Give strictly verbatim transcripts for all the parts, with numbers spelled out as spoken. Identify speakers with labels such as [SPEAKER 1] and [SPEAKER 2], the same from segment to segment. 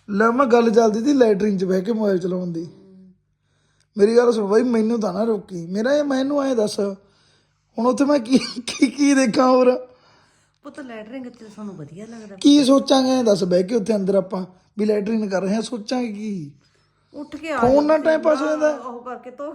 [SPEAKER 1] ਲੈ ਮੈਂ ਗੱਲ ਚੱਲਦੀ ਸੀ ਲੈਟਰਿਨ 'ਚ ਬਹਿ ਕੇ ਮੋਬਾਈਲ ਚਲਾਉਣ ਦੀ। ਮੇਰੀ ਗੱਲ ਸੁਣ ਬਾਈ, ਮੈਨੂੰ ਤਾਂ ਨਾ ਰੋਕੀ। ਮੇਰਾ ਇਹ ਮੈਨੂੰ ਐਂ ਦੱਸ ਹੁਣ ਉੱਥੇ ਮੈਂ ਕੀ ਕੀ ਕੀ ਦੇਖਾਂ ਹੋਰ
[SPEAKER 2] ਪੁੱਤ ਲੈਟਰਿੰਗ ਤੇ ਸਾਨੂੰ ਵਧੀਆ ਲੱਗਦਾ।
[SPEAKER 1] ਕੀ ਸੋਚਾਂਗੇ ਐਂ ਦੱਸ ਬਹਿ ਕੇ ਉੱਥੇ ਅੰਦਰ ਆਪਾਂ ਵੀ ਲੈਟਰਿਨ ਕਰ ਰਹੇ ਹਾਂ, ਸੋਚਾਂਗੇ ਕੀ?
[SPEAKER 2] ਉੱਠ ਕੇ ਆ
[SPEAKER 1] ਫੋਨ ਨਾਲ ਟਾਈਮ ਪਾਸ ਹੋ ਜਾਂਦਾ।
[SPEAKER 2] ਉਹ ਕਰਕੇ ਤੋ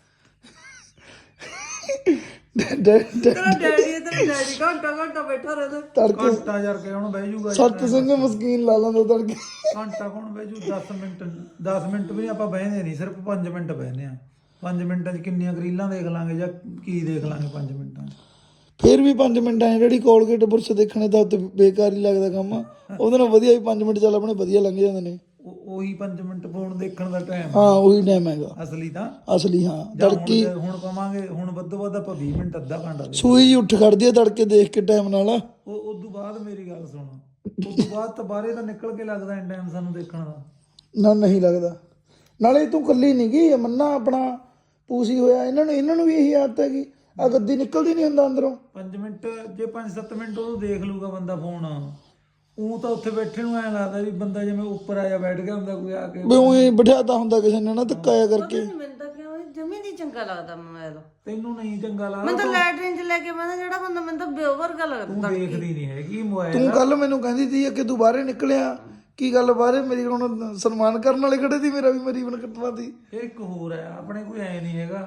[SPEAKER 1] ਡੈ- ਡੈ- ਡੈ-
[SPEAKER 2] ਤੇਰਾ ਡੈਡੀ ਤੇਰਾ ਡੈਡੀ ਘੰਟਾ ਘੰਟਾ ਬੈਠਾ ਰਹਿੰਦਾ।
[SPEAKER 1] ਤੜਕੇ
[SPEAKER 3] ਘੰਟਾ ਯਾਰ ਕੇ ਹੁਣ ਬਹਿ ਜੂਗਾ
[SPEAKER 1] ਸੱਤ ਸਿੰਘ ਮਸਕੀਨ ਲਾ ਲੈਂਦਾ ਤੜਕੇ।
[SPEAKER 3] ਘੰਟਾ ਕੌਣ ਬਹਿ ਜੂ? ਦਸ ਮਿੰਟ ਦਸ ਮਿੰਟ ਵੀ ਆਪਾਂ ਬਹਿੰਦੇ ਨਹੀਂ, ਸਿਰਫ ਪੰਜ ਮਿੰਟ ਬਹਿੰਦੇ ਆ। ਪੰਜ ਮਿੰਟਾਂ 'ਚ ਕਿੰਨੀਆਂ ਰੀਲਾਂ ਦੇਖ ਲਾਂਗੇ ਜਾਂ ਕੀ ਦੇਖ ਲਾਂਗੇ ਪੰਜ ਮਿੰਟਾਂ 'ਚ?
[SPEAKER 1] ਫਿਰ ਵੀ ਪੰਜ ਮਿੰਟਾਂ ਐ ਜਿਹੜੀ ਕੋਲਗੇਟ ਬੁਰਸ਼ ਦੇਖਣੇ ਤਾਂ ਉੱਤੇ ਬੇਕਾਰ ਹੀ ਲੱਗਦਾ ਕੰਮ। ਉਹਦੇ ਨਾਲ ਵਧੀਆ ਵੀ ਪੰਜ ਮਿੰਟ ਚੱਲ ਆਪਣੇ ਵਧੀਆ ਲੰਘ ਜਾਂਦੇ ਨੇ।
[SPEAKER 3] ਉਹ- ਉਹੀ ਪੰਜ ਮਿੰਟ ਫੋਨ ਦੇਖਣ ਦਾ ਟਾਈਮ
[SPEAKER 1] ਹਾਂ ਉਹੀ ਟਾਈਮ ਹੈਗਾ
[SPEAKER 3] ਅਸਲੀ ਤਾਂ।
[SPEAKER 1] ਅਸਲੀ। ਹਾਂ
[SPEAKER 3] ਜਾਂ
[SPEAKER 1] ਤੜਕੀ
[SPEAKER 3] ਹੁਣ ਹੁਣ ਪਾਵਾਂਗੇ, ਹੁਣ ਵੱਧੋ ਵੱਧ ਆਪਾਂ ਵੀਹ ਮਿੰਟ ਅੱਧਾ ਘੰਟਾ ਦੇ।
[SPEAKER 1] ਸੂਈ ਜਿਹੀ ਉੱਠ ਖੜਦੀ ਹੈ ਤੜਕੇ ਦੇਖ ਕੇ ਟਾਈਮ ਨਾਲ।
[SPEAKER 3] ਉਹ ਉਸ ਤੋਂ ਬਾਅਦ ਮੇਰੀ ਗੱਲ ਸੁਣ, ਉਸ ਤੋਂ ਬਾਅਦ ਤਾਂ ਬਾਹਰੇ ਤਾਂ ਨਿਕਲ ਕੇ ਲੱਗਦਾ ਐਂ ਟਾਈਮ ਸਾਨੂੰ ਦੇਖਣ ਦਾ।
[SPEAKER 1] ਨਾ ਨਹੀਂ ਲੱਗਦਾ। ਨਾਲੇ ਤੂੰ ਕੱਲੀ ਨਹੀਂ ਗਈ, ਮੰਨਾ ਆਪਣਾ ਪੂਸੀ ਹੋਇਆ, ਇਹਨਾਂ ਨੂੰ ਇਹਨਾਂ ਨੂੰ ਵੀ ਇਹੀ ਆਦਤ ਹੈਗੀ। ਆ ਗੱਦੀ ਨਿਕਲਦੀ ਨਹੀਂ ਹੁੰਦਾ ਅੰਦਰੋਂ।
[SPEAKER 3] ਪੰਜ ਮਿੰਟ ਜੇ ਪੰਜ ਸੱਤ ਮਿੰਟ ਉਹਨੂੰ ਦੇਖ ਲੂਗਾ ਬੰਦਾ ਫੋਨ, ਉਹ ਤਾਂ ਉੱਥੇ ਬੈਠੇ ਨੂੰ ਐਂ ਲੱਗਦਾ ਵੀ ਬੰਦਾ ਜਿਵੇਂ ਉੱਪਰ ਆਇਆ ਬੈਠ ਗਿਆ ਹੁੰਦਾ ਕੋਈ ਆ ਕੇ।
[SPEAKER 1] ਵੀ ਉਹੀ ਬਿਠਾਤਾ ਹੁੰਦਾ ਕਿਸੇ ਨੇ ਨਾ ਧੱਕਾ ਜਿਹਾ ਕਰਕੇ।
[SPEAKER 2] ਮੈਨੂੰ ਤਾਂ ਕਿਉਂ ਜਮੀ ਨਹੀਂ ਚੰਗਾ ਲੱਗਦਾ ਮੋਬਾਈਲ।
[SPEAKER 3] ਤੈਨੂੰ ਨਹੀਂ ਚੰਗਾ ਲੱਗਦਾ?
[SPEAKER 2] ਮੈਨੂੰ ਤਾਂ ਲੈਟਰਿਨ 'ਚ ਲੈ ਕੇ ਮੈਂ ਜਿਹੜਾ ਬੰਦਾ ਮੈਨੂੰ ਤਾਂ ਬਿਓ ਵਰਗਾ ਲੱਗਦਾ।
[SPEAKER 3] ਤੂੰ ਦੇਖਦੀ ਨਹੀਂ ਹੈਗੀ ਮੋਬਾਈਲ।
[SPEAKER 1] ਤੂੰ ਕੱਲ ਮੈਨੂੰ ਕਹਿੰਦੀ ਸੀ ਕਿ ਤੂੰ ਬਾਹਰੇ ਨਿਕਲਿਆ, ਕੀ ਗੱਲ ਬਾਹਰੇ ਮੇਰੀ ਹੁਣ ਸਨਮਾਨ ਕਰਨ ਵਾਲੇ ਖੜੇ ਸੀ, ਮੇਰਾ ਵੀ ਮੇਰੀ ਬਣ ਕੱਟਣਾ ਸੀ।
[SPEAKER 3] ਇਹ ਇੱਕ ਹੋਰ ਹੈ, ਆਪਣੇ ਕੋਈ ਐ ਨਹੀਂ ਹੈਗਾ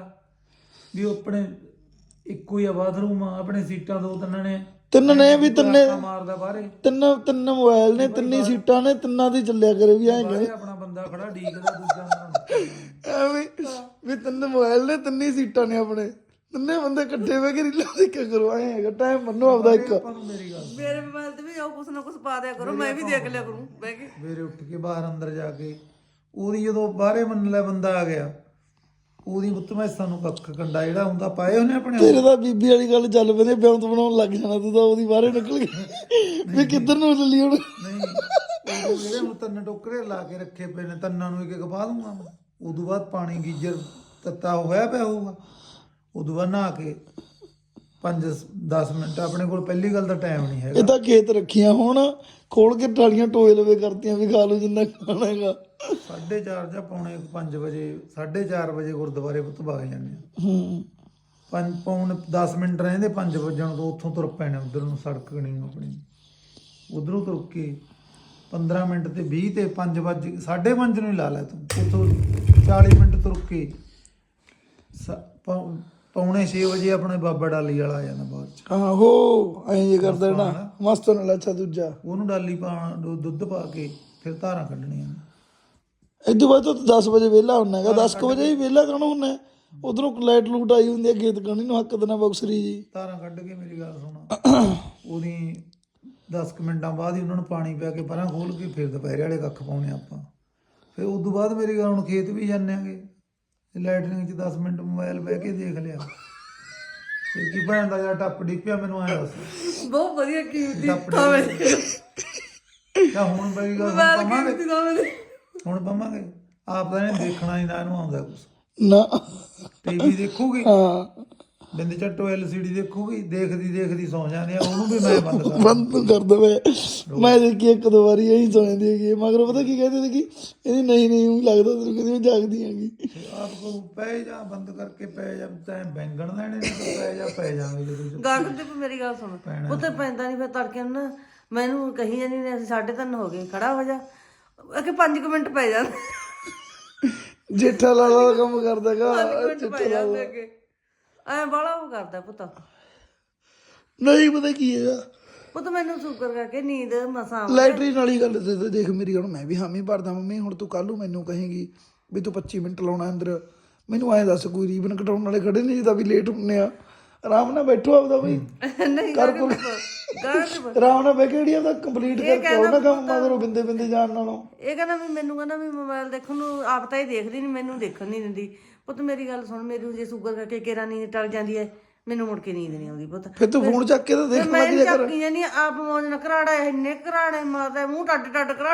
[SPEAKER 3] ਵੀ ਉਹ ਆਪਣੇ ਇੱਕੋ ਹੀ ਆ ਬਾਥਰੂਮ ਆ, ਆਪਣੇ ਸੀਟਾਂ ਦੋ ਤਿੰਨ ਨੇ,
[SPEAKER 1] ਤਿੰਨ ਨੇ ਵੀ ਤਿੰਨੇ
[SPEAKER 3] ਮਾਰਦਾ ਬਾਹਰੇ।
[SPEAKER 1] ਤਿੰਨ ਤਿੰਨ ਮੋਬਾਈਲ ਨੇ, ਤਿੰਨੀ ਸੀਟਾਂ ਨੇ, ਤਿੰਨਾਂ ਦੀ ਚੱਲਿਆ ਕਰੇ ਵੀ ਐਂ
[SPEAKER 3] ਬਾਹਰੇ ਆਪਣਾ ਬੰਦਾ ਖੜਾ ਡੀਕਦਾ, ਦੂਜਾ ਅੰਦਰ।
[SPEAKER 1] ਐਵੇਂ ਵੀ ਤਿੰਨ ਮੋਬਾਈਲ ਨੇ, ਤਿੰਨੀ ਸੀਟਾਂ ਨੇ ਆਪਣੇ, ਤਿੰਨੇ ਬੰਦੇ ਇਕੱਠੇ ਬਹਿ ਕੇ ਰੀਲਾਂ ਦੇਖਿਆ ਕਰੋ। ਐਂ ਹੈਗਾ ਟਾਈਮ ਮੰਨੋ ਆਪਦਾ ਇੱਕ।
[SPEAKER 3] ਆਪਾਂ ਨੂੰ ਮੇਰੀ ਗੱਲ
[SPEAKER 2] ਮੇਰੇ ਮੋਬਾਈਲ ਤੇ ਵੀ ਉਹ ਕੁਛ ਨਾ ਕੁਛ ਪਾ ਦਿਆ ਕਰੋ, ਮੈਂ ਵੀ ਦੇਖ ਲਿਆ ਕਰੂੰ ਬਹਿ ਕੇ।
[SPEAKER 3] ਸਵੇਰੇ ਉੱਠ ਕੇ ਬਾਹਰ ਅੰਦਰ ਜਾ ਕੇ ਉਹਦੀ ਜਦੋਂ ਬਾਹਰੇ ਮੰਨ ਲੈ ਬੰਦਾ ਆ ਗਿਆ, ਉਹਦੀ ਉੱਤ ਮੈਂ ਸਾਨੂੰ ਕੱਖ ਕੰਡਾ ਜਿਹੜਾ ਹੁੰਦਾ ਪਾਏ ਉਹਨੇ ਆਪਣੇ।
[SPEAKER 1] ਤੇਰੇ ਤਾਂ ਬੀਬੀ ਵਾਲੀ ਗੱਲ ਚੱਲ ਪੈਂਦੀ, ਬਿਉਂਤ ਬਣਾਉਣ ਲੱਗ ਜਾਣਾ ਤੂੰ ਤਾਂ ਉਹਦੀ ਬਾਹਰੇ ਨਿਕਲ ਗਈ ਵੀ ਕਿੱਧਰ ਨੂੰ ਚੱਲੀ ਹੁਣ।
[SPEAKER 3] ਨਹੀਂ ਉਹ ਜਿਹੜੇ ਹੁਣ ਤਿੰਨ ਟੋਕਰੇ ਲਾ ਕੇ ਰੱਖੇ ਪਏ ਨੇ, ਤਿੰਨਾਂ ਨੂੰ ਇੱਕ ਇੱਕ ਪਾ ਦੂੰਗਾ ਮੈਂ। ਉਦੋਂ ਬਾਅਦ ਪਾਣੀ ਗੀਜਰ ਤੱਤਾ ਹੋਇਆ ਪਿਆ ਹੋਊਗਾ, ਉਦੋਂ ਬਾਅਦ ਨਹਾ ਕੇ ਪੰਜ ਦਸ ਮਿੰਟ। ਆਪਣੇ ਕੋਲ ਪਹਿਲੀ ਗੱਲ ਤਾਂ ਟਾਈਮ ਨਹੀਂ ਹੈਗਾ।
[SPEAKER 1] ਇਹ ਤਾਂ ਖੇਤ ਰੱਖੀਆਂ ਹੁਣ, ਖੋਲ ਕੇ ਟਾਲੀਆਂ ਟੋਏ ਲਵੇ ਕਰਤੀਆਂ ਵੀ ਖਾ ਲਓ ਜਿੰਨਾ ਖਾਣਾ ਹੈਗਾ।
[SPEAKER 3] ਸਾਢੇ ਚਾਰ ਜਾਂ ਪੌਣੇ ਪੰਜ ਵਜੇ, ਸਾਢੇ ਚਾਰ ਵਜੇ ਗੁਰਦੁਆਰੇ ਪੁੱਤ ਵਗ ਜਾਂਦੇ ਆ।
[SPEAKER 1] ਹੂੰ
[SPEAKER 3] ਪੰਜ ਪੌਣ ਦਸ ਮਿੰਟ ਰਹਿੰਦੇ ਪੰਜ ਵੱਜਣ ਤੋਂ, ਉੱਥੋਂ ਤੁਰ ਪੈਣੇ ਉੱਧਰ ਨੂੰ, ਸੜਕ ਨਹੀਂ ਆਪਣੀ ਉੱਧਰੋਂ ਤੁਰ ਕੇ ਪੰਦਰਾਂ ਮਿੰਟ ਤੇ ਵੀਹ ਤੇ ਪੰਜ ਵੱਜ ਸਾਢੇ ਪੰਜ ਨੂੰ ਹੀ ਲਾ ਲੈ ਤੂੰ। ਉੱਥੋਂ ਚਾਲੀ ਮਿੰਟ ਤੁਰ ਕੇ ਸ- ਪੌ- ਪੌਣੇ ਛੇ ਵਜੇ ਆਪਣੇ ਬਾਬਾ ਡਾਲੀ ਵਾਲਾ ਆ ਜਾਂਦਾ ਬਾਅਦ ਚ।
[SPEAKER 1] ਆਹੋ ਐਂ ਜੇ ਕਰਦਾ ਨਾ ਮਸਤ ਨਾਲ। ਅੱਛਾ ਦੂਜਾ
[SPEAKER 3] ਉਹਨੂੰ ਡਾਲੀ ਪਾ ਦੁੱਧ ਪਾ ਕੇ ਫਿਰ ਧਾਰਾਂ ਕੱਢਣੀਆਂ।
[SPEAKER 1] ਇਦੋਂ ਬਾਅਦ ਤੂੰ ਦਸ ਵਜੇ ਵਿਹਲਾ ਹੁੰਦਾ ਹੈਗਾ। ਦਸ ਕੁ ਵਜੇ ਹੀ ਵਿਹਲਾ ਕੌਣ ਹੁੰਦਾ? ਉਧਰੋਂ ਲਾਈਟ ਲੂਟ ਆਈ ਹੁੰਦੀ ਹੈ ਖੇਤ ਕਣੀ ਨੂੰ, ਹੱਕ ਦੇਣਾ ਬਕਸਰੀ ਜੀ।
[SPEAKER 3] ਧਾਰਾਂ ਕੱਢ ਕੇ ਮੇਰੀ ਗੱਲ ਸੁਣ, ਉਹਦੀ ਦਸ ਕੁ ਮਿੰਟਾਂ ਬਾਅਦ ਹੀ ਉਹਨਾਂ ਨੂੰ ਪਾਣੀ ਪਿਆ ਕੇ ਪਰਾਂ ਖੋਲ ਕੇ ਫਿਰ ਦੁਪਹਿਰੇ ਵਾਲੇ ਕੱਖ ਪਾਉਣੇ ਆਪਾਂ। ਫਿਰ ਉਸ ਤੋਂ ਬਾਅਦ ਮੇਰੀ ਗੱਲ ਹੁਣ ਖੇਤ ਵੀ ਜਾਂਦੇ ਆਂਗੇ, ਲੈਟਰਿੰਗ 'ਚ ਦਸ ਮਿੰਟ ਮੋਬਾਈਲ ਬਹਿ ਕੇ ਦੇਖ ਲਿਆ। ਫਿਰ ਕੀ ਭੈਣ ਦਾ ਯਾਰ ਟੱਪ ਡਿੱਪਿਆ ਮੈਨੂੰ ਐਂ ਦੱਸ।
[SPEAKER 2] ਬਹੁਤ ਵਧੀਆ ਕੀਮਤੀ
[SPEAKER 3] ਟੱਪ
[SPEAKER 2] ਥਾਵੇਂ
[SPEAKER 3] ਤਾਂ ਹੁਣ ਮੇਰੀ ਗੱਲ
[SPEAKER 2] ਮੋਬਾਈਲ
[SPEAKER 3] ਸੁਣ, ਪਾਵਾਂਗੇ
[SPEAKER 2] ਕੀਮਤੀ ਥਾਵੇਂ ਦੇ।
[SPEAKER 3] ਹੁਣ ਪਾਵਾਂਗੇ ਆਪ ਤਾਂ ਇਹਨੇ ਦੇਖਣਾ ਹੀ ਨਾ, ਇਹਨੂੰ ਆਉਂਦਾ ਕੁਛ।
[SPEAKER 1] ਨਾ
[SPEAKER 3] ਟੀਵੀ ਦੇਖੂਗੀ,
[SPEAKER 1] ਹਾਂ
[SPEAKER 3] ਬਿੰਦ ਝੱਟੋ ਐਲ ਸੀ ਡੀ ਦੇਖੂਗੀ, ਦੇਖਦੀ ਦੇਖਦੀ ਸੌ ਜਾਂਦੀ ਆ। ਉਹਨੂੰ ਵੀ ਮੈਂ ਬੰਦ ਕਰ
[SPEAKER 1] ਬੰਦ ਤੂੰ ਕਰ ਦਵੇ। ਮੈਂ ਦੇਖੀ ਇੱਕ ਦੋ ਵਾਰੀ ਇਹੀ ਸੌ ਜਾਂਦੀ ਹੈਗੀ, ਮਗਰ ਪਤਾ ਕੀ ਕਹਿੰਦੇ ਸੀ ਕਿ ਇਹਦੀ ਨਹੀਂ ਨਹੀਂ ਊਂ ਲੱਗਦਾ ਤੈਨੂੰ ਕਹਿੰਦੀ ਮੈਂ ਜਾਗਦੀ ਹੈਗੀ।
[SPEAKER 3] ਆਪ ਕੋ ਪੈ ਜਾ, ਬੰਦ ਕਰਕੇ ਪੈ ਜਾ, ਤੈਂ ਬੈਂਗਣ ਲੈਣੇ ਨੇ ਤਾਂ ਪੈ ਜਾ, ਪੈ ਜਾਵਾਂਗੇ ਜਦੋਂ।
[SPEAKER 2] ਗਾਗਰ ਤੇ ਮੇਰੀ ਗੱਲ ਸੁਣ, ਉੱਤੇ ਪੈਂਦਾ ਨਹੀਂ ਫਿਰ ਤੜਕੇ ਨੂੰ ਨਾ ਮੈਨੂੰ ਕਹੀ ਜਾਂਦੀ ਨੇ ਅਸੀਂ ਸਾਢੇ ਤਿੰਨ ਹੋ ਗਏ, ਖੜਾ ਹੋ ਜਾ। ਅਕੇ ਪੰਜ ਕੁ ਮਿੰਟ ਪੈ ਜਾਂਦੇ,
[SPEAKER 1] ਜੇਠਾ ਲਾਲਾ ਦਾ ਕੰਮ ਕਰਦਾ ਹੈਗਾ।
[SPEAKER 2] ਪੰਜ ਮਿੰਟ ਪੈ ਜਾਂਦੇ ਅੱਗੇ। ਐ ਬਾਲਾ ਉਹ ਕਰਦਾ ਪੁੱਤ।
[SPEAKER 1] ਨਹੀਂ ਪਤਾ ਕੀ ਹੈਗਾ,
[SPEAKER 2] ਪੁੱਤ ਮੈਨੂੰ ਸ਼ੂਗਰ ਕਰਕੇ ਨੀਂਦ ਮਸਾਂ।
[SPEAKER 1] ਲੈਟਰੀਨ ਵਾਲੀ ਗੱਲ ਤੇ ਤਾਂ ਦੇਖ ਮੇਰੀ, ਹੁਣ ਮੈਂ ਵੀ ਹਾਮੀ ਭਰਦਾ ਮੰਮੀ। ਹੁਣ ਤੂੰ ਕੱਲ ਨੂੰ ਮੈਨੂੰ ਕਹੇਗੀ ਵੀ ਤੂੰ ਪੱਚੀ ਮਿੰਟ ਲਾਉਣਾ ਅੰਦਰ, ਮੈਨੂੰ ਐਂ ਦੱਸ ਕੋਈ ਰੀਬਨ ਕਟਾਉਣ ਵਾਲੇ ਖੜੇ ਨਹੀਂ ਜਿੱਦਾਂ ਵੀ ਲੇਟ ਹੁੰਨੇ ਆ। ਆਰਾਮ ਨਾਲ ਬੈਠੋ ਆਪਦਾ ਬਈ,
[SPEAKER 2] ਨਹੀਂ
[SPEAKER 1] ਕਰ
[SPEAKER 2] ਗਾਗਰ ਤੇ
[SPEAKER 1] ਆਰਾਮ ਨਾਲ ਬਹਿ ਕੇ ਜਿਹੜੀ ਆਪਦਾ ਕੰਪਲੀਟ ਕਰਕੇ ਆਓ ਨਾ ਕੰਮ ਮਗਰੋਂ ਬਿੰਦੇ ਬਿੰਦੇ ਜਾਣ ਨਾਲੋਂ।
[SPEAKER 2] ਇਹ ਕਹਿੰਦਾ ਵੀ ਮੈਨੂੰ ਕਹਿੰਦਾ ਵੀ ਮੋਬਾਈਲ ਦੇਖਣ ਨੂੰ ਆਪ ਤਾਂ ਹੀ ਦੇਖਦੀ ਨਹੀਂ, ਮੈਨੂੰ ਦੇਖਣ ਨਹੀਂ ਦਿੰਦੀ। ਪੁੱਤ ਮੇਰੀ ਗੱਲ ਸੁਣ, ਮੇਰੀ ਜੇ ਸ਼ੂਗਰ ਕਰਕੇ ਕੇਰਾ ਨੀਂਦ ਟਲ ਜਾਂਦੀ ਹੈ, ਮੈਨੂੰ ਮੁੜ ਕੇ ਨੀਂਦ ਨਹੀਂ ਆਉਂਦੀ ਪੁੱਤ।
[SPEAKER 1] ਫਿਰ ਤੂੰ ਫੋਨ ਚੱਕ ਕੇ ਤਾਂ ਦੇਖ
[SPEAKER 2] ਮੈਂ
[SPEAKER 1] ਲੱਗ ਜਾ ਕਰ।
[SPEAKER 2] ਚੱਕੀ ਜਾਨੀ ਆਪ ਮੌਜ ਨਾਲ ਘਰਾੜਾ ਇੰਨੇ ਘਰਾੜੇ ਮਾਰਦਾ, ਮੂੰਹ ਟੱਡ ਟੱਡ ਘਰਾੜ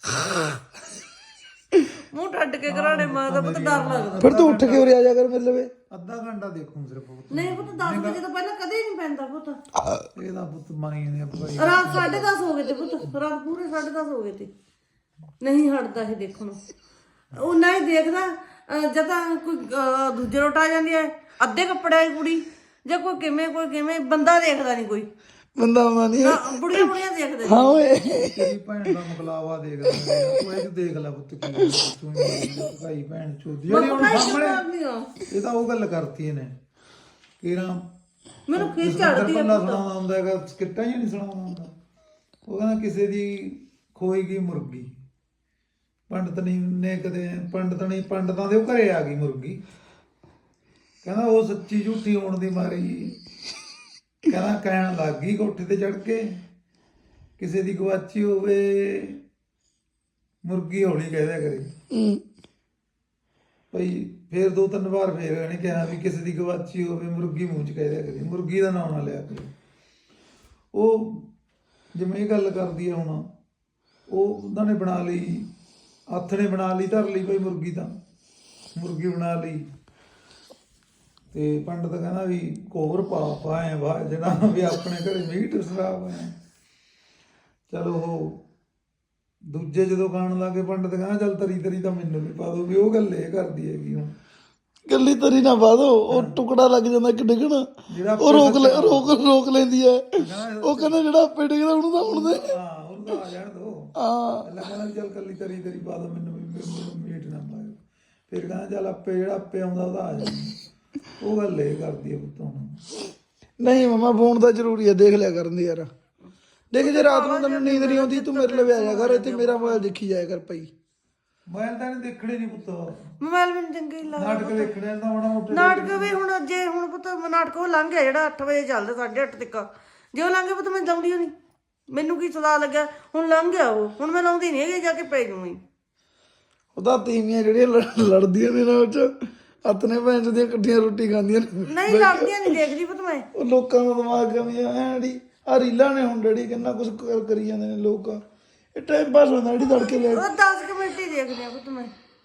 [SPEAKER 2] ਮੂੰਹ ਟੱਡ ਕੇ ਘਰਾੜੇ ਮਾਰਦਾ ਪੁੱਤ, ਡਰ ਲੱਗਦਾ।
[SPEAKER 1] ਫਿਰ ਤੂੰ ਉੱਠ ਕੇ ਉਰੇ ਆ ਜਾ ਕਰ ਮੇਰੇ ਲਵੇ।
[SPEAKER 3] ਅੱਧਾ ਘੰਟਾ ਦੇਖੂੰ ਸਿਰਫ ਉਹ।
[SPEAKER 2] ਨਹੀਂ ਪੁੱਤ ਦਸ ਵਜੇ ਤੋਂ ਪਹਿਲਾਂ ਕਦੇ ਨਹੀਂ ਪੈਂਦਾ ਪੁੱਤ।
[SPEAKER 3] ਇਹਦਾ ਪੁੱਤ ਮਾਰੀ ਜਾਂਦੇ ਆ ਭਾਈ।
[SPEAKER 2] ਰਾਤ ਸਾਢੇ ਦਸ ਹੋ ਗਏ ਤੇ ਪੁੱਤ, ਰਾਤ ਪੂਰੇ ਸਾਢੇ ਦਸ ਹੋ ਗਏ ਤੇ। ਨਹੀਂ ਹਟਦਾ ਇਹ ਦੇਖਣੋਂ। ਉਹ ਨਾ ਹੀ ਦੇਖਦਾ ਅਹ ਜਦ ਤਾਂ ਕੋਈ ਅਹ ਦੂਜੇ ਰੋਟ ਆ ਜਾਂਦੀ ਹੈ ਅੱਧੇ ਕੱਪੜਿਆਂ ਦੀ ਕੁੜੀ, ਜਾਂ ਕੋਈ ਕਿਵੇਂ ਕੋਈ ਕਿਵੇਂ, ਬੰਦਾ ਦੇਖਦਾ ਨਹੀਂ ਕੋਈ,
[SPEAKER 1] ਬੰਦਾ ਆਉਂਦਾ ਨਹੀਂ
[SPEAKER 2] ਨਾ ਬੁੜੀਆਂ ਬੁੜੀਆਂ ਦੇਖਦੇ
[SPEAKER 1] ਹਾਂ
[SPEAKER 2] ਨੇ।
[SPEAKER 1] ਓਏ
[SPEAKER 3] ਤੇਰੀ ਭੈਣ ਦਾ ਮੁਕਲਾਵਾ ਦੇਖ ਲੈ ਤੂੰ ਇਹ ਦੇਖ ਲੈ ਪੁੱਤ ਕੀ ਹੈ, ਤੂੰ ਭਾਈ ਭੈਣ ਚੋਦੀ ਜਿਹੜੀ ਹੁਣ ਸਾਹਮਣੇ
[SPEAKER 2] ਮਾਰਦੀ ਆ।
[SPEAKER 3] ਇਹ ਤਾਂ ਉਹ ਗੱਲ ਕਰਤੀ ਇਹਨੇ ਕਿਰਾਂ
[SPEAKER 2] ਮੈਨੂੰ ਖਿੱਚ
[SPEAKER 3] ਜਸਵਿੰਦਰ
[SPEAKER 2] ਚੜਦੀ ਹੈ
[SPEAKER 3] ਪੱਲਾ ਸੁਣਾਉਂਦਾ ਹੁੰਦਾ ਹੈਗਾ, ਸਕਿੱਟਾਂ ਹੀ ਨਹੀਂ ਸੁਣਾਉਂਦਾ ਹੁੰਦਾ। ਉਹ ਕਹਿੰਦਾ ਕਿਸੇ ਦੀ ਖੋਈ ਗਈ ਮੁਰਗੀ, ਪੰਡਤ ਨਹੀਂ ਨੇ ਕਦੇ ਪੰਡਤ ਨਹੀਂ ਪੰਡਤਾਂ ਦੇ ਉਹ ਘਰੇ ਆ ਗਈ ਮੁਰਗੀ, ਕਹਿੰਦਾ ਉਹ ਸੱਚੀ ਝੂਠੀ ਹੋਣ ਦੀ ਮਾਰੀ ਕਹਿੰਦਾ ਕਹਿਣ ਲੱਗ ਗਈ ਕੋਠੇ ਤੇ ਚੜ ਕੇ, ਕਿਸੇ ਦੀ ਗਵਾਚੀ ਹੋਵੇ ਮੁਰਗੀ ਹੌਲੀ ਕਹਿ ਦਿਆ ਕਰੇ
[SPEAKER 1] ਹੂੰ।
[SPEAKER 3] ਭਈ ਫੇਰ ਦੋ ਤਿੰਨ ਵਾਰ ਫੇਰ ਇਹਨੇ ਕਿਹਾ ਵੀ ਕਿਸੇ ਦੀ ਗਵਾਚੀ ਹੋਵੇ ਮੁਰਗੀ ਮੂੰਹ ਚ ਕਹਿ ਦਿਆ ਕਰੇ, ਮੁਰਗੀ ਦਾ ਨਾਮ ਨਾ ਲਿਆ ਕਰੇ। ਉਹ ਜਿਵੇਂ ਇਹ ਗੱਲ ਕਰਦੀ ਹੈ ਹੁਣ, ਉਹ ਉਹਨਾਂ ਨੇ ਬਣਾ ਲਈ, ਹੱਥ ਨੇ ਬਣਾ ਲਈ, ਧਰ ਲਈ ਕੋਈ ਮੁਰਗੀ, ਤਾਂ ਮੁਰਗੀ ਬਣਾ ਲਈ ਤੇ ਪੰਡਤ ਕਹਿੰਦਾ ਵੀ ਕੋਹਰ ਪਾ ਪਾਏ ਵਾ ਜਿਹੜਾ ਵੀ ਆਪਣੇ ਘਰੇ ਮੀਟ ਸਰਾਬ ਹੈ। ਚਲੋ ਉਹ ਦੂਜੇ ਜਦੋਂ ਖਾਣ ਲੱਗੇ ਪੰਡਤ ਕਹਿੰਦਾ ਚੱਲ ਤਰੀ ਤਰੀ ਤਾਂ ਮੈਨੂੰ ਵੀ ਪਾ ਦੋ, ਵੀ ਉਹ ਗੱਲ ਇਹ ਕਰਦੀ ਹੈਗੀ ਹੁਣ
[SPEAKER 1] ਗੱਲੀ ਤਰੀ ਨਾ ਪਾ ਦੋ, ਉਹ ਟੁਕੜਾ ਲੱਗ ਜਾਂਦਾ ਕਿ ਡਿੱਗਣਾ,
[SPEAKER 3] ਜਿਹੜਾ
[SPEAKER 1] ਉਹ ਰੋਕ ਲੈ ਰੋਕ ਰੋਕ ਲੈਂਦੀ ਹੈ। ਉਹ ਕਹਿੰਦਾ ਜਿਹੜਾ ਆਪੇ ਡਿੱਗਦਾ ਉਹਨੂੰ ਤਾਂ ਹੁਣ ਦੇ
[SPEAKER 3] ਹਾਂ ਉਹਨੂੰ ਤਾਂ ਆ ਜਾਣ ਦੋ।
[SPEAKER 1] ਹਾਂ
[SPEAKER 3] ਪਹਿਲਾਂ ਕਹਿੰਦਾ ਵੀ ਚੱਲ ਕੱਲੀ ਤਰੀ ਤਰੀ ਪਾ ਦੋ ਮੈਨੂੰ ਵੀ, ਮੈਨੂੰ ਮੀਟ ਨਾ ਪਾਇਓ। ਫਿਰ ਕਹਿੰਦਾ ਚੱਲ ਆਪੇ ਜਿਹੜਾ ਆਪੇ ਆਉਂਦਾ ਉਹਦਾ ਆ ਜਾਂਦਾ। ਉਹ ਗੱਲ ਇਹ ਕਰਦੀ ਹੈ ਪੁੱਤ ਹੁਣ।
[SPEAKER 1] ਨਹੀਂ ਮਮਾ ਫੋਨ ਤਾਂ ਜ਼ਰੂਰੀ ਹੈ, ਦੇਖ ਲਿਆ ਕਰਨ ਦੀ ਯਾਰ। ਦੇਖ ਜੇ ਰਾਤ ਨੂੰ ਤੈਨੂੰ ਨੀਂਦ ਨਹੀਂ ਆਉਂਦੀ ਤੂੰ ਮੇਰੇ ਲਈ ਆ ਜਾ ਕਰ, ਇੱਥੇ ਮੇਰਾ ਮੋਬਾਈਲ ਦੇਖੀ ਜਾਇਆ ਕਰ ਪਈ।
[SPEAKER 3] ਮੋਬਾਈਲ ਤਾਂ ਇਹਨੇ ਦੇਖਣੇ ਨਹੀਂ ਪੁੱਤ,
[SPEAKER 2] ਮੋਬਾਈਲ ਮੈਨੂੰ ਚੰਗੇ ਹੀ ਲੱਗਦਾ।
[SPEAKER 3] ਨਾਟਕ ਦੇਖਣੇ ਤਾਂ ਮਾੜਾ ਮੋਟਾ
[SPEAKER 2] ਨਾਟਕ ਵੀ ਹੁਣ ਜੇ ਹੁਣ ਪੁੱਤ ਨਾਟਕ ਉਹ ਲੰਘ ਗਿਆ ਜਿਹੜਾ ਅੱਠ ਵਜੇ ਚੱਲਦਾ, ਸਾਢੇ ਅੱਠ ਤੱਕ, ਜੇ ਉਹ ਲੰਘ ਗਿਆ ਪੁੱਤ ਮੈਂ ਲਾਉਂਦੀ ਓ ਨਹੀਂ, ਮੈਨੂੰ ਕੀ ਸਦਾ ਲੱਗਿਆ, ਹੁਣ ਲੰਘ ਗਿਆ ਉਹ, ਹੁਣ ਮੈਂ ਲਾਉਂਦੀ ਨਹੀਂ ਹੈਗੀ, ਜਾ ਕੇ ਪੈ ਜੂਗੀ।
[SPEAKER 1] ਉਹਦਾ ਤੀਵੀਆਂ ਜਿਹੜੀਆਂ ਲੜ- ਲੜਦੀਆਂ ਨੇ ਨਾ ਉਹ ਚ ਆਪਣੇ ਭੈਣ ਚੋਂ ਦੀਆਂ ਇਕੱਠੀਆਂ ਰੋਟੀ ਖਾਂਦੀਆਂ ਨੇ।
[SPEAKER 2] ਨਹੀਂ ਲੜਦੀਆਂ ਨਹੀਂ ਦੇਖਦੀ ਪੁੱਤ ਮੈਂ।
[SPEAKER 1] ਉਹ ਲੋਕਾਂ ਦਾ ਦਿਮਾਗ ਕਮੀ ਆ ਡੈਡੀ, ਆ ਰੀਲਾਂ ਨੇ ਹੁਣ ਡੈਡੀ ਕਿੰਨਾ ਕੁਝ ਕਰੀ ਜਾਂਦੇ ਨੇ ਲੋਕ, ਇਹ ਟਾਈਮ ਪਾਸ ਹੁੰਦਾ ਡੈਡੀ ਤੜਕੇ ਲੈ
[SPEAKER 2] ਉਹ ਦਸ ਕੁ ਮਿੰਟ ਹੀ ਦੇਖਦੀ ਆ ਪੁੱਤ ਮੈਂ,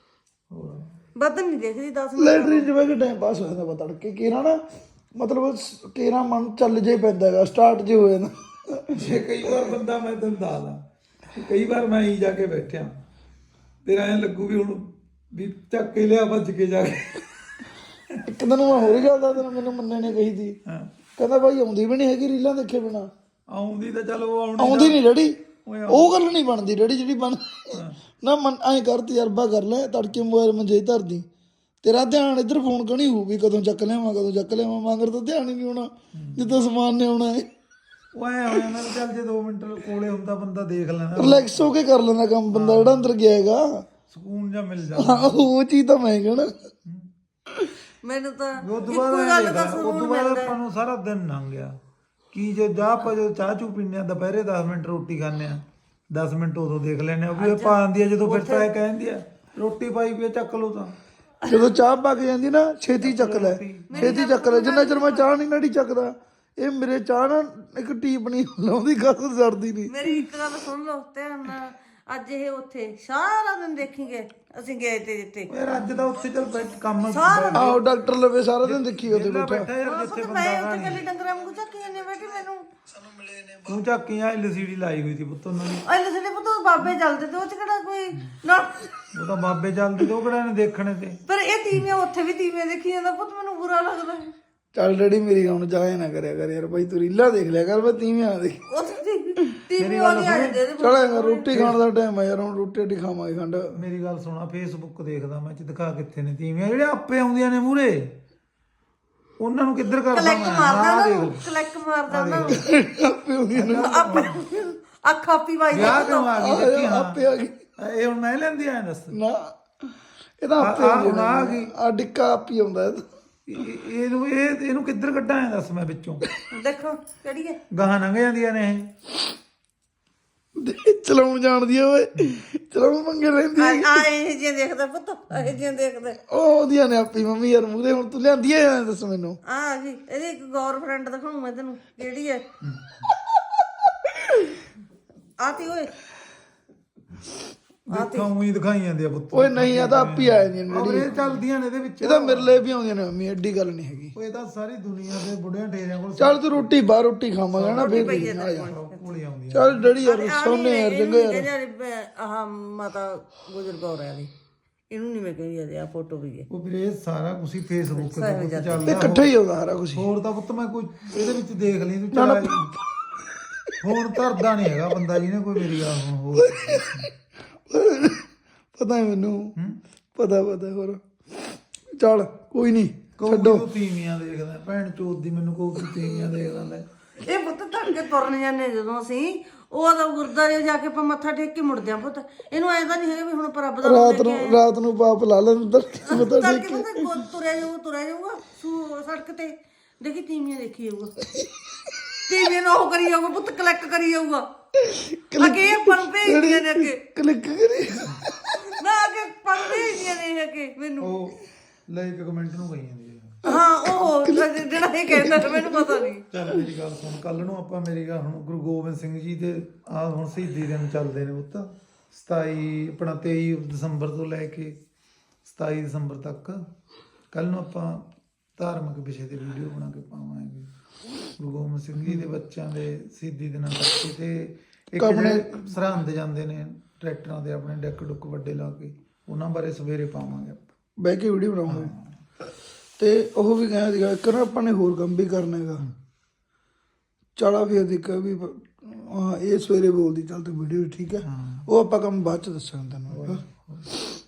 [SPEAKER 2] ਵੱਧ ਨਹੀਂ ਦੇਖਦੀ ਦਸ ਮਿੰਟ।
[SPEAKER 1] ਲੈਟਰੀਨ ਚ ਬਹਿ ਕੇ ਟਾਈਮ ਪਾਸ ਹੋ ਜਾਂਦਾ ਵਾ ਤੜਕੇ ਕੇਰਾ ਨਾ, ਮਤਲਬ ਕੇਰਾ ਮਨ ਚੱਲ ਜੇ ਪੈਂਦਾ ਹੈਗਾ, ਸਟਾਰਟ ਜੇ ਹੋ ਜਾਂਦਾ।
[SPEAKER 3] ਜੇ ਕਈ ਵਾਰ ਬੰਦਾ, ਮੈਂ ਤੈਨੂੰ ਦੱਸਦਾ, ਕਈ ਵਾਰ ਮੈਂ ਹੀ ਜਾ ਕੇ ਬੈਠਿਆ, ਤੇਰਾ ਐਂ ਲੱਗੂ ਵੀ ਹੁਣ ਵੀ ਚੱਕ ਕੇ ਲਿਆ ਭੱਜ ਕੇ ਜਾ ਕੇ।
[SPEAKER 1] ਇੱਕ ਦਿਨ ਮੈਂ ਹੋਰ ਹੀ ਗੱਲ ਦਾ ਤੈਨੂੰ ਮੈਨੂੰ ਮੰਨੇ ਨੇ ਕਹੀ ਸੀ,
[SPEAKER 3] ਹਾਂ
[SPEAKER 1] ਕਹਿੰਦਾ ਭਾਈ ਆਉਂਦੀ ਵੀ ਨਹੀਂ ਹੈਗੀ ਰੀਲਾਂ ਦੇਖੇ ਬਿਨਾ।
[SPEAKER 3] ਆਉਂਦੀ ਤਾਂ ਚਲ ਉਹ ਆਉਣੀ
[SPEAKER 1] ਆਉਂਦੀ ਨਹੀਂ ਡੈਡੀ, ਉਹ ਗੱਲ ਨਹੀਂ ਬਣਦੀ ਡੈਡੀ ਜਿਹੜੀ ਬਣ ਨਾ ਮਨ ਐਂ ਕਰ ਤਜਰਬਾ ਕਰ ਲੈ, ਤੜਕੇ ਮੋਬਾਈਲ ਮੰਜੇ ਧਰਦੀ, ਤੇਰਾ ਧਿਆਨ ਇੱਧਰ ਫੋਨ ਕਣੀ ਹੋਊ ਵੀ ਕਦੋਂ ਚੱਕ ਲਿਆਵਾਂ ਕਦੋਂ ਚੱਕ ਲਿਆਵਾਂ, ਮਗਰ ਤਾਂ ਧਿਆਨ ਹੀ ਨਹੀਂ ਹੋਣਾ ਜਿੱਦਾਂ ਸਮਾਨ ਨੇ ਆਉਣਾ ਹੈ।
[SPEAKER 3] ਉਹ ਐ ਹੋ ਜਾਂਦਾ ਚੱਲ ਜੇ ਦੋ ਮਿੰਟ ਕੋਲੇ ਹੁੰਦਾ ਬੰਦਾ ਦੇਖ ਲੈਣਾ,
[SPEAKER 1] ਰਿਲੈਕਸ ਹੋ ਕੇ ਕਰ ਲੈਂਦਾ ਕੰਮ ਬੰਦਾ ਜਿਹੜਾ ਅੰਦਰ ਗਿਆ ਹੈਗਾ,
[SPEAKER 3] ਸਕੂਨ ਜਾਂ ਮਿਲ ਜਾਂਦਾ।
[SPEAKER 1] ਹਾਂ ਉਹ ਚੀਜ਼ ਤਾਂ ਮੈਂ ਕਹਿਣਾ।
[SPEAKER 2] ਮੈਨੂੰ ਤਾਂ
[SPEAKER 3] ਉਹ ਤੋਂ
[SPEAKER 2] ਇੱਕੋ
[SPEAKER 3] ਬਾਅਦ
[SPEAKER 2] ਗੱਲ
[SPEAKER 3] ਐਂ
[SPEAKER 2] ਦਾ
[SPEAKER 3] ਦੇਖਦਾ, ਉਹ
[SPEAKER 2] ਸੁਣਨ
[SPEAKER 3] ਤੋਂ
[SPEAKER 2] ਨੂੰ
[SPEAKER 3] ਬਾਅਦ
[SPEAKER 2] ਮਿਲਦਾ।
[SPEAKER 3] ਆਪਾਂ ਨੂੰ ਸਾਰਾ ਦਿਨ ਲੰਘ ਗਿਆ ਕੀ ਜੇ ਜਾ ਆਪਾਂ ਜਦੋਂ ਚਾਹ ਚੂ ਪੀਂਦੇ ਆ ਦੁਪਹਿਰੇ ਦਸ ਮਿੰਟ ਰੋਟੀ ਖਾਂਦੇ ਆ, ਦਸ ਮਿੰਟ ਉਦੋਂ ਦੇਖ ਲੈਂਦੇ ਆ, ਉਹ ਵੀ ਉਹ ਪਾ ਆਉਂਦੀ ਆ ਜਦੋਂ ਫਿਰ ਤਾਂ ਇਹ ਕਹਿੰਦੀ ਆ ਰੋਟੀ ਪਾਈ ਪਈ ਆ, ਚੱਕ ਲਓ ਤਾਂ
[SPEAKER 1] ਜਦੋਂ ਚਾਹ ਪਾ ਕੇ ਜਾਂਦੀ ਨਾ ਛੇਤੀ ਚੱਕ ਲੈ, ਛੇਤੀ ਚੱਕ ਲੈ, ਜਿੰਨਾ ਚਿਰ ਮੈਂ ਚਾਹ ਨਹੀਂ ਨੜੀ ਚੱਕਦਾ ਇਹ ਮੇਰੇ ਚਾਹ ਨਾ ਇੱਕ ਟੀਪ ਨਹੀਂ ਲਾਉਂਦੀ, ਗੱਲ ਸੜਦੀ ਨਹੀਂ।
[SPEAKER 2] ਮੇਰੀ ਇੱਕ ਗੱਲ ਸੁਣ ਲਓ ਧਿਆਨ ਨਾਲ, ਅੱਜ ਇਹ ਉੱਥੇ ਸਾਰਾ ਦਿਨ ਦੇਖੀਗੇ, ਅਸੀਂ ਗਏ ਤੇ ਜਿੱਥੇ
[SPEAKER 3] ਯਾਰ ਅੱਜ ਤਾਂ ਉੱਥੇ ਚੱਲ ਬੈਠ ਕੰਮ
[SPEAKER 1] ਆਹੋ ਡਾਕਟਰ ਲਵੇ ਸਾਰਾ ਦਿਨ ਦੇਖੀ ਉਹਦੇ
[SPEAKER 3] ਵਿਹਲਾ
[SPEAKER 1] ਬੈਠਾ।
[SPEAKER 3] ਬੈਠਾ ਯਾਰ ਜਿੱਥੇ
[SPEAKER 2] ਪੁੱਤ
[SPEAKER 3] ਬੰਦਾ
[SPEAKER 2] ਮੈਂ ਉੱਥੇ ਕੱਲੀ ਡੰਗਰਾਂ ਵਾਂਗੂ ਝੱਕੀ ਜਾਂਦੀ ਬੈਠੀ, ਮੈਨੂੰ
[SPEAKER 3] ਤੂੰ ਝਾਕੀ ਆ ਐਲ ਸੀ ਡੀ ਲਾਈ ਹੋਈ ਸੀ ਪੁੱਤ ਉਹਨਾਂ ਦੀ,
[SPEAKER 2] ਅਲੇ ਸਾਡੇ ਪੁੱਤ ਬਾਬੇ ਚੱਲਦੇ ਤੇ ਉਹ ਚ ਕਿਹੜਾ ਕੋਈ ਨਾ,
[SPEAKER 3] ਉਹ ਤਾਂ ਬਾਬੇ ਚੱਲਦੇ ਤੇ ਉਹ ਕਿਹੜਾ ਨੇ ਦੇਖਣੇ ਤੇ।
[SPEAKER 2] ਪਰ ਇਹ ਤੀਵੀਆਂ ਉੱਥੇ ਵੀ ਤੀਵੀਆਂ ਦੇਖੀ ਜਾਂਦਾ ਪੁੱਤ, ਮੈਨੂੰ ਬੁਰਾ ਲੱਗਦਾ।
[SPEAKER 1] ਚੱਲ ਡੈਡੀ ਮੇਰੀ ਹੁਣ ਜਾਏ ਨਾ ਕਰਿਆ ਕਰ ਯਾਰ ਭਾਈ, ਤੂੰ ਰੀਲਾਂ ਦੇਖ ਲਿਆ ਕਰ, ਮੈਂ ਤੀਵੀਂ ਆ ਦੇਖ।
[SPEAKER 2] ਉੱਥੇ ਤੀਵੀਆਂ ਵਾਲੀ ਆ ਜਾਂਦੇ ਇਹਦੇ
[SPEAKER 1] ਚਲ ਰੋਟੀ ਖਾਣ ਦਾ ਟਾਈਮ ਆ ਯਾਰ, ਹੁਣ ਰੋਟੀ ਰੋਟੀ ਖਾਵਾਂਗੇ ਖੰਡ।
[SPEAKER 3] ਮੇਰੀ ਗੱਲ ਸੁਣਾ, ਫੇਸਬੁੱਕ ਦੇਖਦਾ ਮੈਂ, ਚ ਦਿਖਾ ਕਿੱਥੇ ਨੇ ਤੀਵੀਆਂ ਜਿਹੜੇ ਆਪੇ ਆਉਂਦੀਆਂ ਨੇ ਮੂਰੇ, ਉਹਨਾਂ ਨੂੰ ਕਿੱਧਰ ਕਰਦਾ
[SPEAKER 2] ਕਲੈਕ
[SPEAKER 3] ਮੈਂ
[SPEAKER 2] ਮਾਰਦਾ
[SPEAKER 3] ਆਹ
[SPEAKER 2] ਨਾ,
[SPEAKER 3] ਦੇਖ
[SPEAKER 2] ਕਲੈਕ ਮਾਰਦਾ ਨਾ,
[SPEAKER 1] ਆਪੇ ਹੋ ਗਈ ਨਾ,
[SPEAKER 2] ਅੱਖ ਆਪੀ ਵਾਈ
[SPEAKER 3] ਵਿਆਹ ਕਿਉਂ ਆ ਗਈ ਦੇਖੀ। ਹਾਂ
[SPEAKER 1] ਆਪੇ ਆ ਗਈ
[SPEAKER 3] ਇਹ ਹੁਣ ਮੈਂ ਲੈਂਦੀ ਆ ਦੱਸ,
[SPEAKER 1] ਨਾ, ਇਹ ਤਾਂ ਆਪੇ
[SPEAKER 3] ਆ
[SPEAKER 1] ਹੋ
[SPEAKER 3] ਹੁਣ ਆ ਗਈ
[SPEAKER 1] ਆ ਡਿੱਕਾ ਆਪੀ ਆਉਂਦਾ ਇਹ
[SPEAKER 3] ਇਹ- ਇਹਨੂੰ ਇਹ ਇਹਨੂੰ ਕਿੱਧਰ ਕੱਢਾਂ ਐ ਦੱਸ ਮੈਂ ਵਿੱਚੋਂ,
[SPEAKER 2] ਦੇਖੋ ਕਿਹੜੀ ਹੈ
[SPEAKER 3] ਗਾਹਾਂ ਲੰਘ ਜਾਂਦੀਆਂ ਨੇ ਇਹ।
[SPEAKER 1] ਤਾਂ। ਚਲਾਉਣ ਜਾਣਦੀ ਆ ਓਏ, ਚਲਾਉਣ ਮੰਗੇ ਰਹਿੰਦੀ ਆ।
[SPEAKER 2] ਆ ਇਹ ਜੇ ਦੇਖਦਾ ਪੁੱਤ, ਇਹ ਜੇ ਦੇਖਦਾ
[SPEAKER 1] ਉਹ ਉਹਦੀਆਂ ਨੇ ਆਪੀ ਮੰਮੀ ਯਾਰ ਮੂਹਰੇ, ਹੁਣ ਤੂੰ ਲਿਆਂਦੀ ਆ ਦੱਸ ਮੈਨੂੰ।
[SPEAKER 2] ਆ ਜੀ ਇਹਦੀ ਇੱਕ ਗਰਲਫ੍ਰੈਂਡ ਦਿਖਾਉਂ ਮੈਂ ਤੈਨੂੰ, ਕਿਹੜੀ ਹੈ ਆਤੀ ਓਏ,
[SPEAKER 3] ਦੇਖਾਂ ਉਹੀ ਦਿਖਾਈ ਜਾਂਦੀ ਆ ਪੁੱਤ
[SPEAKER 1] ਓਏ ਨਹੀਂ ਆ ਤਾਂ ਆਪ ਹੀ ਆ ਜਾਂਦੀਆਂ ਨੇ
[SPEAKER 3] ਖਬਰੇ ਚੱਲਦੀਆਂ ਨੇ ਇਹਦੇ ਵਿੱਚ
[SPEAKER 1] ਇਹ ਤਾਂ ਮੇਰੇ ਲਈ ਵੀ ਆਉਂਦੀਆਂ ਨੇ ਮੰਮੀ, ਐਡੀ ਗੱਲ ਨਹੀਂ ਹੈਗੀ।
[SPEAKER 3] ਉਹ ਇਹ ਤਾਂ ਸਾਰੀ ਦੁਨੀਆ ਦੇ ਬੁੱਢਿਆਂ ਠੇਰਿਆਂ ਕੋਲ
[SPEAKER 1] ਚੱਲ ਤੂੰ ਰੋਟੀ ਬਾਹਰ ਰੋਟੀ ਖਾਵਾਂਗਾ ਨਾ ਫੇਰ ਦੇਖ ਆ ਜਾ।
[SPEAKER 3] ਕੋਲ ਹੀ ਆਉਂਦੀਆਂ
[SPEAKER 1] ਚੱਲ ਡੈਡੀ ਯਾਰ ਸੋਨੇ ਯਾਰ ਚੰਗਾ ਯਾਰ।
[SPEAKER 2] ਆਹ ਮਾਤਾ ਗੁਜਰ ਕੌਰ ਆ ਦੀ, ਇਹਨੂੰ ਨਹੀਂ ਮੈਂ ਕਹਿੰਦੀ ਆ ਫੋਟੋ ਵੀ ਹੈ।
[SPEAKER 3] ਉਹ ਵੀਰੇ ਸਾਰਾ ਕੁਝ ਹੀ ਫੇਸਬੁੱਕ ਤੇ ਪੁੱਤ
[SPEAKER 1] ਇਹ
[SPEAKER 3] ਚੱਲਦਾ
[SPEAKER 1] ਇਕੱਠਾ ਹੀ ਹੋਗਾ ਸਾਰਾ ਕੁਝ।
[SPEAKER 3] ਹੋਰ ਤਾਂ ਪੁੱਤ ਮੈਂ ਕੋਈ ਇਹਦੇ ਵਿੱਚ ਦੇਖ ਲਈ ਤੂੰ ਚਲਾ ਫੋਨ ਧਰਦਾ ਨਹੀਂ ਹੈਗਾ ਬੰਦਾ ਜਿਹਨੇ ਕੋਈ ਮੇਰੀ ਗੱਲ ਹੁਣ ਹੋਰ
[SPEAKER 1] ਪਤਾ ਹੈ ਮੈਨੂੰ, ਪਤਾ ਪਤਾ ਹੋਰ ਚੱਲ ਕੋਈ ਨਹੀਂ
[SPEAKER 3] ਛੱਡੋ। ਤੂੰ ਤੀਵੀਆਂ ਦੇਖਦਾ ਭੈਣ ਚੋਦ ਦੀ, ਮੈਨੂੰ ਕੋਈ ਤੂੰ ਤੀਵੀਆਂ ਦੇਖਦਾ ਲੈ।
[SPEAKER 2] ਇਹ ਪੁੱਤ ਧੜ ਕੇ ਤੁਰਨ ਜਾਂਦੇ ਜਦੋਂ ਅਸੀਂ ਉਹ ਤਾਂ ਗੁਰਦਾਰੇ ਜਾ ਕੇ ਆਪਾਂ ਮੱਥਾ ਟੇਕ ਕੇ ਮੁੜਦੇ ਆਂ ਪੁੱਤ। ਇਹਨੂੰ ਐਂ ਤਾਂ ਨਹੀਂ ਹੈਗਾ ਵੀ ਹੁਣ ਆਪਾਂ ਰੱਬ ਦਾ
[SPEAKER 1] ਰਾਤ ਨੂੰ ਰਾਤ ਨੂੰ ਪਾਪ ਲਾ ਲੈਣ ਤਾਂ ਪਤਾ
[SPEAKER 2] ਤੜ ਕੇ ਪਤਾ ਤੁਰਿਆ ਜਾਊਗਾ ਤੁਰਿਆ ਜਾਊਗਾ ਸੂ ਸੜਕ ਤੇ ਦੇਖੀ ਤੀਵੀਆਂ ਦੇਖੀ ਜਾਊਗਾ, ਤੀਵੀਆਂ ਨੂੰ ਉਹ ਕਰੀ ਜਾਊਗਾ ਪੁੱਤ, ਕਲੈਕਟ ਕਰੀ ਜਾਊਗਾ ਅੱਗੇ ਇਹ ਪਨ ਭੇਜਦੀਆਂ ਨੇ ਅੱਗੇ
[SPEAKER 1] ਕਲਿੱਕ ਕਰੀ
[SPEAKER 2] ਨਾ ਅੱਗੇ ਪਨ ਭੇਜਦੀਆਂ ਨੇ ਅੱਗੇ ਮੈਨੂੰ।
[SPEAKER 3] ਉਹ ਲਾਈਕ ਕਮੈਂਟ ਨੂੰ ਕਹੀ ਜਾਂਦੀ ਹੈ।
[SPEAKER 2] ਹਾਂ ਉਹ ਜਿਹੜਾ ਇਹ ਕਹਿੰਦਾ ਤਾਂ ਮੈਨੂੰ ਪਤਾ ਨਹੀਂ।
[SPEAKER 3] ਚੱਲ ਮੇਰੀ ਗੱਲ ਸੁਣ, ਕੱਲ ਨੂੰ ਆਪਾਂ ਮੇਰੀ ਗੱਲ ਹੁਣ ਗੁਰੂ ਗੋਬਿੰਦ ਸਿੰਘ ਜੀ ਦੇ ਆ ਹੁਣ ਸ਼ਹੀਦੀ ਦਿਨ ਚੱਲਦੇ ਨੇ ਪੁੱਤ, ਸਤਾਈ ਆਪਣਾ ਤੇਈ ਦਸੰਬਰ ਤੋਂ ਲੈ ਕੇ ਸਤਾਈ ਦਸੰਬਰ ਤੱਕ। ਕੱਲ ਨੂੰ ਆਪਾਂ ਧਾਰਮਿਕ ਵਿਸ਼ੇ ਤੇ ਵੀਡੀਓ ਬਣਾ ਕੇ ਪਾਵਾਂਗੇ ਗੁਰੂ ਗੋਬਿੰਦ ਸਿੰਘ ਜੀ ਦੇ ਬੱਚਿਆਂ ਦੇ ਸ਼ਹੀਦੀ ਦਿਨਾਂ ਤੱਕ। ਤੇ ਇੱਕ ਜਿਹੜੇ ਸਰਹੰਦ ਜਾਂਦੇ ਨੇ ਟਰੈਕਟਰਾਂ ਦੇ ਆਪਣੇ ਡੈਕ ਡੁੱਕ ਵੱਡੇ ਲਾ ਕੇ, ਉਹਨਾਂ ਬਾਰੇ ਸਵੇਰੇ ਪਾਵਾਂਗੇ ਆਪਾਂ
[SPEAKER 1] ਬਹਿ ਕੇ ਵੀਡੀਓ ਬਣਾਉਂਗੇ। ਤੇ ਉਹ ਵੀ ਕਹਿੰਦਾ ਸੀਗਾ ਇੱਕ ਨਾ ਆਪਾਂ ਨੇ ਹੋਰ ਕੰਮ ਵੀ ਕਰਨਾ ਹੈਗਾ। ਚਲਾ ਫਿਰ ਦੇਖਿਆ ਵੀ ਹਾਂ ਇਹ ਸਵੇਰੇ ਬੋਲਦੀ ਚੱਲ ਤੇ ਵੀਡੀਓ ਠੀਕ ਹੈ, ਉਹ ਆਪਾਂ ਕੰਮ ਬਾਅਦ ਚ ਦੱਸਾਂਗੇ ਤੈਨੂੰ।